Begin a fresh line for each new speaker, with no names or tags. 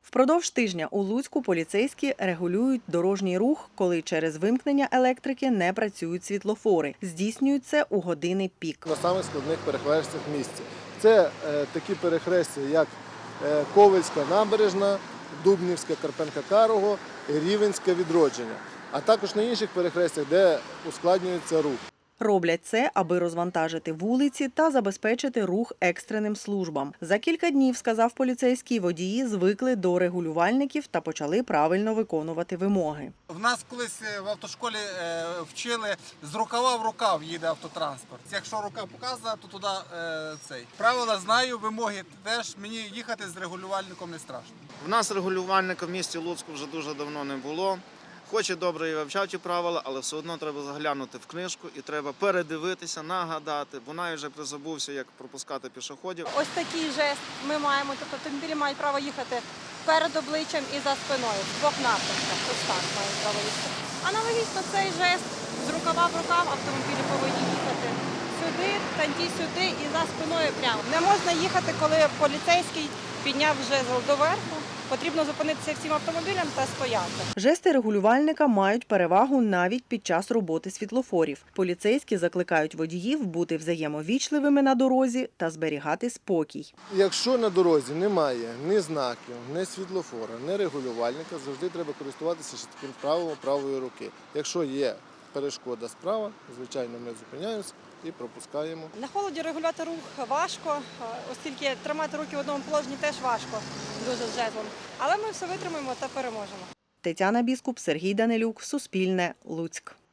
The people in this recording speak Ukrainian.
Впродовж тижня у Луцьку поліцейські регулюють дорожній рух, коли через вимкнення електрики не працюють світлофори. Здійснюють це у години пік.
На самих складних перехрестях місті. Це такі перехрестя, як Ковельська набережна, Дубнівська, Карпенка-Карого, Рівенське Відродження. А також на інших перехрестях, де ускладнюється рух.
Роблять це, аби розвантажити вулиці та забезпечити рух екстреним службам. За кілька днів, сказав поліцейський, водії звикли до регулювальників та почали правильно виконувати вимоги.
В нас колись в автошколі вчили, з рукава в рукав їде автотранспорт. Якщо рука показує, то туди цей. Правила знаю, вимоги теж, мені їхати з регулювальником не страшно.
В нас регулювальника в місті Луцьку вже дуже давно не було. Хоч і добре і вивчав ті правила, але все одно треба заглянути в книжку і треба передивитися, нагадати, бо навіть вже призабувся, як пропускати пішоходів.
Ось такий жест ми маємо, тобто автомобілі мають право їхати перед обличчям і за спиною, в двох напрямках, ось так мають право їхати. Аналогічно цей жест з рукава в рукав автомобілі повинні їхати сюди, танті сюди і за спиною прямо. Не можна їхати, коли поліцейський підняв жезл доверху. Потрібно зупинитися всім автомобілям та стояти.
Жести регулювальника мають перевагу навіть під час роботи світлофорів. Поліцейські закликають водіїв бути взаємовічливими на дорозі та зберігати спокій.
Якщо на дорозі немає ні знаків, ні світлофора, ні регулювальника, завжди треба користуватися ще таким правилом правої руки. Якщо є перешкода справа, звичайно, ми зупиняємося і пропускаємо.
На холоді регулювати рух важко, оскільки тримати руки в одному положенні теж важко, дуже з жезлом. Але ми все витримаємо та переможемо.
Тетяна Біскуп, Сергій Данилюк, Суспільне, Луцьк.